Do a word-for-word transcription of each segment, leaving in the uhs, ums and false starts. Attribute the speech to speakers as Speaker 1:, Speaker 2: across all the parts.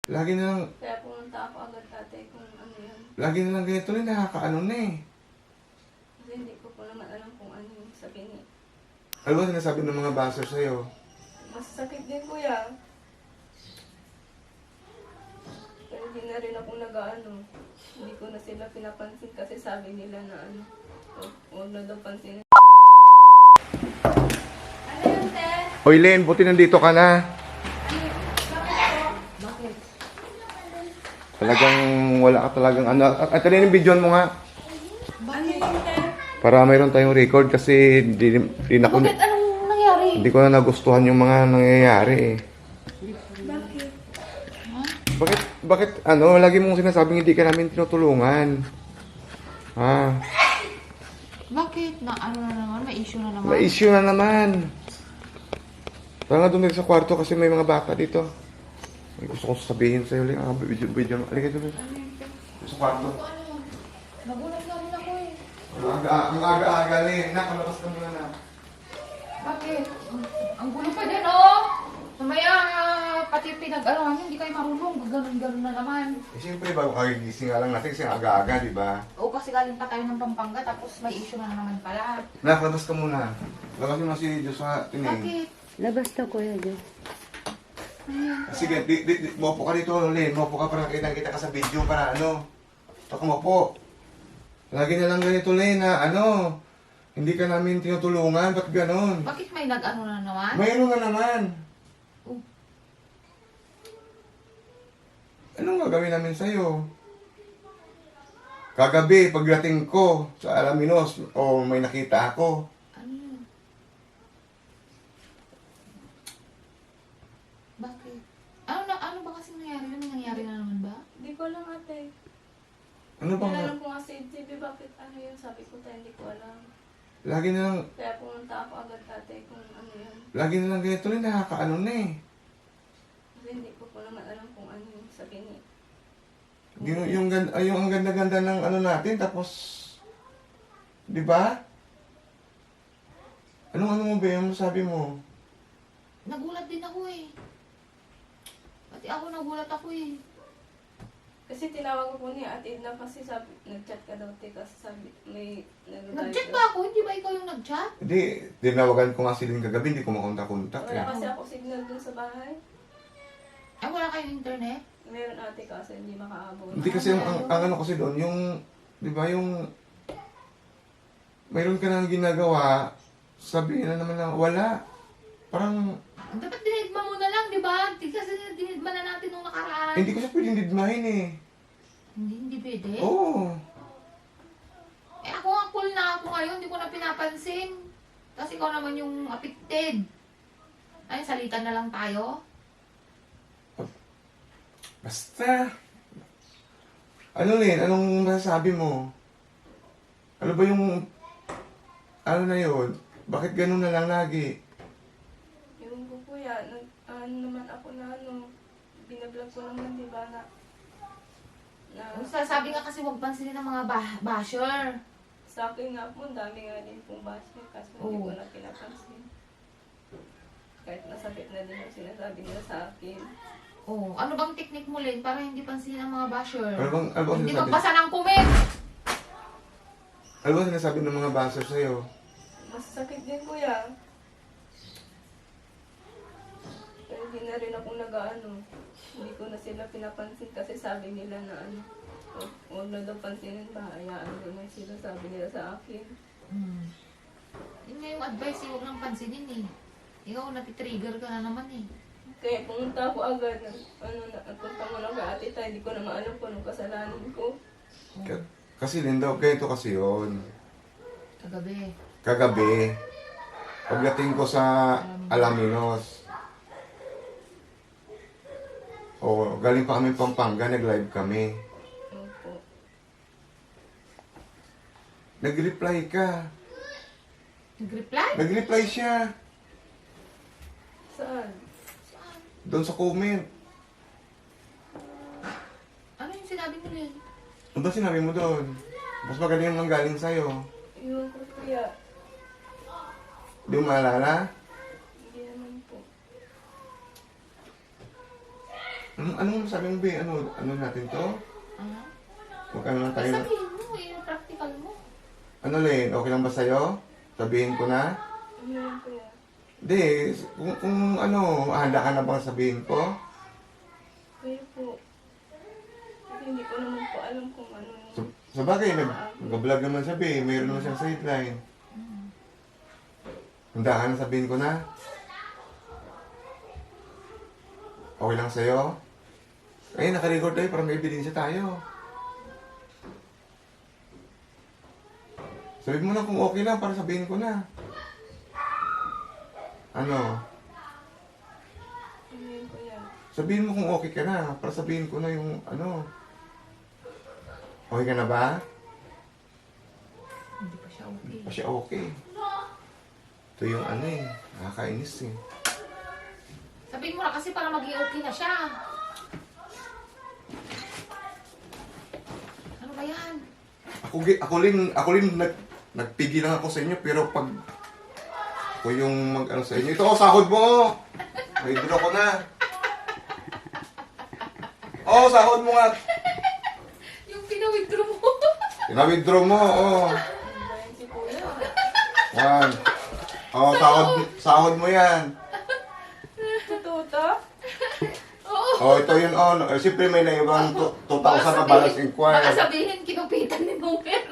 Speaker 1: Lagi na lang,
Speaker 2: Kaya pumunta ako agad tatay kung ano yun.
Speaker 1: lagi na lang ganito rin, nakakaano na eh.
Speaker 2: Kasi hindi ko po naman alam kung ano yung sabi niya.
Speaker 1: Ano ba sinasabi ng mga baser sa'yo?
Speaker 2: Mas sakit din kuya. Pero hindi na rin ako nag-ano. Hindi ko na sila pinapansin kasi sabi nila na ano. Huwag huwag na daw pansinin. Ano yun, te?
Speaker 1: Oy Len, buti nandito ka na.
Speaker 2: Bakit?
Speaker 1: Talagang wala ka talagang ano. At ano yung video mo nga?
Speaker 2: Ano yun, te?
Speaker 1: Para mayroon tayong record kasi di, di na ko,
Speaker 2: Bakit? Anong nangyari?
Speaker 1: hindi ko na nagustuhan yung mga nangyayari eh.
Speaker 2: Bakit?
Speaker 1: Bakit, bakit ano, lagi mong sinasabing hindi ka namin tinutulungan? Ha?
Speaker 3: Bakit? Na ano na naman? May issue na naman?
Speaker 1: May issue na naman. Tara nga doon dito sa kwarto kasi may mga bata dito. May gusto kong sabihin sa'yo, Len. Ah, video, video. Alika doon. Sa kwarto.
Speaker 3: Ano? Nagulat na rin ako eh.
Speaker 1: Ang aga- ang aga-aga, Len. Nakalabas ka muna na.
Speaker 3: Bakit? Ang gulo pa din oh! Mamaya ah, pati pinag-arawan hindi kayo marunong. Ganun-ganun na naman.
Speaker 1: Eh, siyempre, bago kagigising nga lang natin kasi ang aga-aga, di ba?
Speaker 3: Oo, kasi galing pa tayo ng Pampanga tapos may issue na naman pala.
Speaker 1: Nakalabas ka muna. Labas mo na si Joshua. Tining.
Speaker 3: Bakit?
Speaker 2: Labas to kuya, Diyo.
Speaker 1: Sige, di, di, di, mopo ka dito, Len. Mopo ka para nakita kita ka sa video para ano. Taka mopo. Lagi na lang ganito, Len, na ano. Hindi ka namin tinutulungan. Ba't ganon?
Speaker 3: Bakit may nag-ano na naman?
Speaker 1: Mayroon na naman.
Speaker 3: Oh.
Speaker 1: Anong gagawin namin sa'yo? Kagabi, pagdating ko sa Alaminos, o may nakita ako.
Speaker 3: Ano yun? Bakit? Ano na ano ba kasi nangyari yun? May nangyari na naman ba?
Speaker 2: Hindi ko alam ate.
Speaker 1: Ano
Speaker 2: Hindi
Speaker 1: bang,
Speaker 2: alam ko nga si J B bakit ano yun. Sabi ko tayo hindi ko alam.
Speaker 1: lagi na lang,
Speaker 2: Kaya pumunta ako agad tatay kung ano yun.
Speaker 1: lagi na lang ganito rin, nakakaano na eh.
Speaker 2: Kasi hindi ko po naman alam kung ano yung sabi niya.
Speaker 1: Yung, yung, gan- ay, yung ang ganda-ganda ng ano natin, tapos, di ba? Anong ano mo ba yung sabi mo?
Speaker 3: Nagulat din ako eh. Pati ako nagulat ako eh.
Speaker 2: Kasi tinawag ko po niya at Edna kasi sabi, nag-chat ka daw te kasi sabi may nag
Speaker 3: Nag-chat ba ako? Hindi ba ikaw yung nag-chat?
Speaker 1: Hindi, dinawagan ko nga si Lynn kagabi, hindi ko makontak-kontak
Speaker 2: Wala
Speaker 1: eh.
Speaker 2: kasi ako signal dun sa bahay.
Speaker 3: Ay, wala kayong internet?
Speaker 2: Meron ate kasi hindi makaabot.
Speaker 1: Hindi kasi yung, ang, ang ano kasi doon, yung, di ba yung, mayroon ka nang ginagawa, sabihin na naman lang, wala. Parang,
Speaker 3: Dapat dinidma mo na lang, di ba? Di kasi dinidma na natin nung nakaraan.
Speaker 1: hindi ko siya pwedeng didmahin eh.
Speaker 3: Hindi, hindi pwede.
Speaker 1: Oo.
Speaker 3: Eh ako nga cool na ako ngayon, hindi ko na pinapansin. Kasi ikaw naman yung affected. Ay, salitan na lang tayo.
Speaker 1: Basta. Ano Lin, anong masasabi mo? Ano ba yung, ano na yun? Bakit ganun na lang lagi?
Speaker 2: Yung ko kuya, nag, ano naman ako na ano, binablog ko naman di ba na, na
Speaker 3: Ang sasabi nga kasi huwag pansinin ng mga bah- basher.
Speaker 2: sa akin nga po, ang dami nga din pong basher kasi hindi
Speaker 3: Oo.
Speaker 2: ko na pinapansin. Kahit nasakit na din yung sinasabi nila sa akin.
Speaker 3: Oh, ano bang technique mo, Len, para hindi pansinin ng mga basher?
Speaker 1: Ano bang, ano bang
Speaker 3: Hindi
Speaker 1: sinasabi?
Speaker 3: magbasa ng comment!
Speaker 1: Ano bang sinasabi ng mga baser sa'yo?
Speaker 2: Mas sakit din kuya. Pero hindi na rin ako nag-ano. Hindi ko na sila pinapansin kasi sabi nila na ano, huwag, huwag na daw pansinin ba, hayaan nyo na sila sabi nila sa akin.
Speaker 3: Hmm. Yun nga yung advice, eh, huwag nang pansinin eh. Ikaw, natitrigger ka na naman eh.
Speaker 2: Kaya pumunta ako agad, nag, ano, nagpunta mo lang kay ate tayo, hindi ko na maalam kung anong kasalanan ko.
Speaker 1: Ka- Kasi Lin daw, ganito kasi yun.
Speaker 3: Kagabi.
Speaker 1: Kagabi, pagdating ko sa Alaminos, oh, galing pa kami Pampanga, nag-live kami.
Speaker 2: Opo.
Speaker 1: Nag-reply ka.
Speaker 3: Nag-reply?
Speaker 1: Nag-reply siya.
Speaker 2: Saan?
Speaker 1: Doon sa comment.
Speaker 3: Ano yung sinabi mo, Len?
Speaker 1: Ano ba sinabi mo doon? Mas magaling ang galing sa'yo.
Speaker 2: Iwan ko kuya,
Speaker 1: Di mo maalala?
Speaker 2: hindi naman po.
Speaker 1: Ano, anong sabi mo, Be? Ano, ano natin to?
Speaker 3: Ah,
Speaker 1: Magkano lang tayo?
Speaker 3: sabihin mo, yung practical mo.
Speaker 1: Ano, Len? Okay lang ba sa'yo? Sabihin ko na?
Speaker 2: Ano yun, kuya?
Speaker 1: Hindi, kung, kung ano, handa ka na bang sabihin ko?
Speaker 2: Kuya po. Kasi hindi ko naman po alam kung ano yung...
Speaker 1: Sa, sa bagay, nag, nag-vlog naman siya, Be. Mayroon naman siyang sideline. Handa ka na sabihin ko na? Okay lang sa'yo? Eh, naka-record tayo para may ebidensya tayo. Sabihin mo na kung okay lang para sabihin ko na. Ano?
Speaker 2: Ano yun, kuya?
Speaker 1: Sabihin mo kung okay ka na para sabihin ko na yung ano. Okay ka na ba?
Speaker 3: Hindi pa siya okay.
Speaker 1: Pa siya okay. Ito yung ano eh. Nakakainis eh.
Speaker 3: Sabihin mo na kasi para maging okay na siya. Ano ba yan?
Speaker 1: Ako, gi- ako rin, ako rin nag, nagpigil lang ako sa inyo pero pag ako yung mag ano sa inyo. Ito, oh, sahod mo! May draw ko na. Oh, sahod mo nga.
Speaker 3: Yung pinawithdraw mo.
Speaker 1: Pina-withdraw mo, oh.
Speaker 2: Ano ba yun si kuya?
Speaker 1: Yan. Oh, sahod, sahod mo yan.
Speaker 2: Totoo to?
Speaker 3: Oo.
Speaker 1: Oh, ito yun, oh. Eh, Siyempre may naibang two thousand na balance
Speaker 3: Baka
Speaker 1: inquiry.
Speaker 3: sabihin, kinupitan ni Nomer.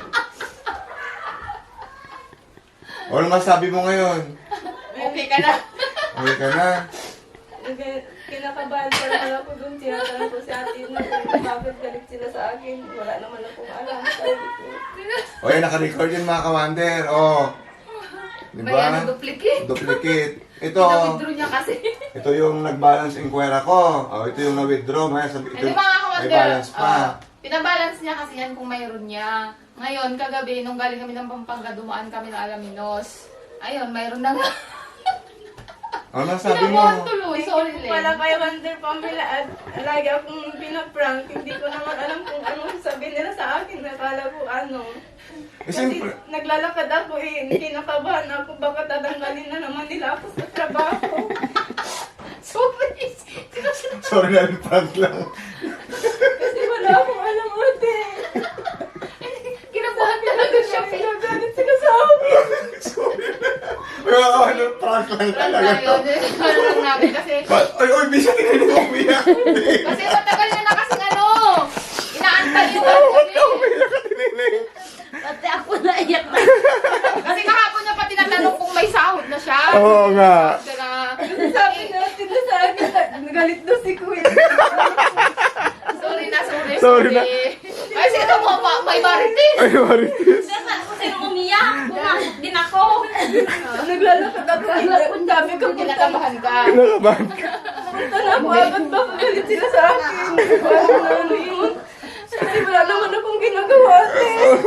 Speaker 1: O, ano masabi mo ngayon?
Speaker 3: Okay ka na.
Speaker 1: Okay ka na?
Speaker 2: Nag- Kinakabahan pa naman ako dun. Tinatanong ko si ate na kung bakit galit sila sa akin. Wala naman akong alam. Sabi ko.
Speaker 1: O, yan, naka-record yun mga kawander. Oh. Di
Speaker 3: May
Speaker 1: ba?
Speaker 3: ano, duplicate.
Speaker 1: Duplicate. Ito,
Speaker 3: Pinawithdraw niya kasi.
Speaker 1: ito yung nag-balance inquiry ko. Oh, ito yung na-withdraw. May, sabi, ito,
Speaker 3: Hindi mga
Speaker 1: may
Speaker 3: kawander.
Speaker 1: balance pa.
Speaker 3: ah, pinabalance niya kasi yan kung mayroon niya. Ngayon, kagabi, nung galing kami ng Pampanga, dumaan kami ng Alaminos. Ayun, mayroon na nga.
Speaker 1: Ano sabi mo?
Speaker 3: Pinabuhan tuloy. Sorry,
Speaker 2: Hindi ko pala
Speaker 3: Len.
Speaker 2: kay Wonder Pamela at lagi akong pinaprank. Hindi ko naman alam kung anong sabihin nila sa akin. Nakala ko ano.
Speaker 1: Eh,
Speaker 2: Kasi
Speaker 1: siyempre,
Speaker 2: naglalakad ako eh. Kinakabahan ako. Baka tatanggalin na naman nila ako sa trabaho.
Speaker 3: Sorry.
Speaker 1: sorry na rin, prank lang.
Speaker 2: Kasi wala akong alam ate.
Speaker 3: Kinabuhan talaga siya.
Speaker 2: Pinagalit sila sa akin.
Speaker 1: sorry na. May mga kawander, prank lang talaga.
Speaker 3: Ayun, ano lang namin kasi.
Speaker 1: Ba- Ay, oy, bisa tininig mo umiyak.
Speaker 3: Kasi matagal na na kasing ano. Inaantay yung
Speaker 1: Oh, ba't ka
Speaker 3: ano.
Speaker 1: umiyak ka tininig?
Speaker 4: Pati ako naiyak na.
Speaker 3: Kasi kahapon niya pa tinatanong kung may sahod na siya.
Speaker 1: Oo nga.
Speaker 3: Kaya,
Speaker 2: Sabi natin na sa akin. Nagalit daw si Kuya.
Speaker 3: sorry na, sorry.
Speaker 1: Sorry na.
Speaker 3: Ay, sino mo pa? May marites.
Speaker 1: Ay, Marites.
Speaker 4: Kung sino umiyak, pumasok din ako.
Speaker 2: Naglalakad ako. Sabi ko, punta na
Speaker 3: Kinakabahan ka.
Speaker 1: Kinakabahan ka.
Speaker 2: punta na ako. Agad baka galit sila sa akin. Ano na ano yun. Kasi wala naman akong ginagawa ate.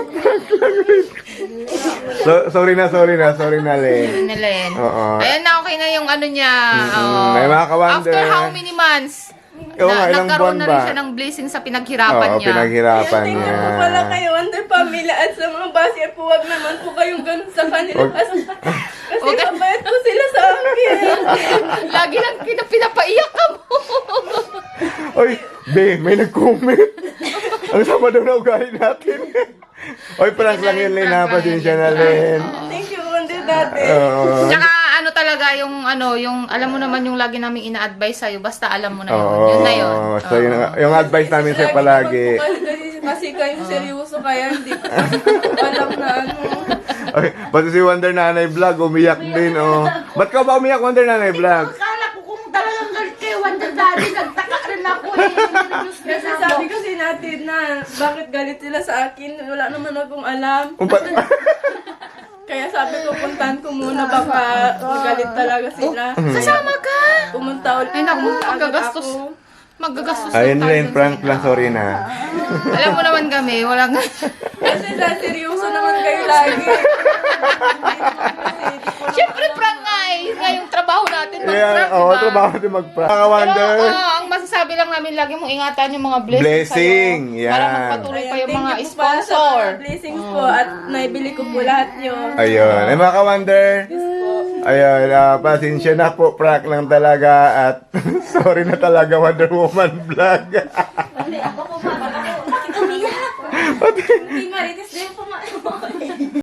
Speaker 1: So, sorry na, sorry na, sorry na, Len.
Speaker 3: Nelen.
Speaker 1: Oo.
Speaker 3: Ayan na, okay na yung ano niya.
Speaker 1: Mm-mm.
Speaker 3: Oo.
Speaker 1: May mga kawander.
Speaker 3: After how many months?
Speaker 1: Oo nga, ilang
Speaker 3: nagkaroon
Speaker 1: buwan
Speaker 3: na rin
Speaker 1: ba?
Speaker 3: siya ng blessing sa pinaghirapan
Speaker 1: Oo,
Speaker 3: niya.
Speaker 1: pinaghirapan
Speaker 2: Thank
Speaker 1: niya.
Speaker 2: you po pala kayo, Wonder Family, at sa mga basya po, wag naman po kayong ganun sa kanila.
Speaker 1: Wag-
Speaker 2: Kasi, kasi
Speaker 3: Wag-
Speaker 2: mabait po sila sa akin.
Speaker 3: Lagi lang kita pinapaiyak ka mo.
Speaker 1: Oy, be, may nag-comment. Ang sama daw na ugali natin. Oy, prank lang yun, Len, ha? Pasensya na, Len.
Speaker 2: Thank you, Wonder Dati.
Speaker 1: Oo.
Speaker 3: Tsaka ano talaga yung ano, yung alam mo naman yung lagi namin ina-advise sa'yo, basta alam mo na yun.
Speaker 1: Oo.
Speaker 3: Yun na yun.
Speaker 1: So, yun, ang- yung advice namin sa'yo palagi.
Speaker 2: Kasi kayong seryoso kaya hindi ko alam na ano.
Speaker 1: Okay, pati si Wonder Nanay Vlog, umiyak din, oh. Ba't ka ba umiyak, Wonder Nanay Vlog?
Speaker 4: Akala ko kung talagang galit kayo, Wonder Daddy, nagtaka rin ako eh.
Speaker 2: Kasi sabi kasi natin na bakit galit sila sa akin, wala naman akong alam.
Speaker 1: Umpa-
Speaker 2: Kaya sabi ko, puntahan ko muna, baka magalit talaga sila.
Speaker 3: Sasama ka!
Speaker 2: Pumunta ulit.
Speaker 3: Ay naku,
Speaker 2: pumunta agad
Speaker 3: magagastos.
Speaker 2: ako.
Speaker 3: Magagastos
Speaker 1: Ayun,
Speaker 3: tayo
Speaker 1: Len,
Speaker 3: dun
Speaker 1: prank
Speaker 3: sa
Speaker 1: lang,
Speaker 3: ina.
Speaker 1: sorry na.
Speaker 3: Alam mo naman kami, walang...
Speaker 2: Kasi sa seryoso naman kayo lagi.
Speaker 3: Siyempre, prank nga eh. Yun nga yung trabaho natin, mag-prank,
Speaker 1: Yeah, oo,
Speaker 3: diba?
Speaker 1: trabaho din mag-prank. Mga
Speaker 3: Pero,
Speaker 1: Wonder.
Speaker 3: oo, ang masasabi lang namin, lagi mong ingatan yung mga blessings
Speaker 1: Blessing,
Speaker 3: sa'yo. Para
Speaker 1: yan.
Speaker 3: magpatuloy pa yung
Speaker 2: Thank
Speaker 3: mga
Speaker 2: you po pala sa
Speaker 3: sponsor.
Speaker 2: mga blessings po at naibili ko po lahat yun.
Speaker 1: Ayun. Ay, mga ka-Wonder.
Speaker 2: Yes po.
Speaker 1: Ayun, ah, pasensya na po, prank lang talaga at sorry na talaga Wonder Woman vlog.
Speaker 5: Hindi, ako po, mama. Bakit umiyak? Hindi marites din po,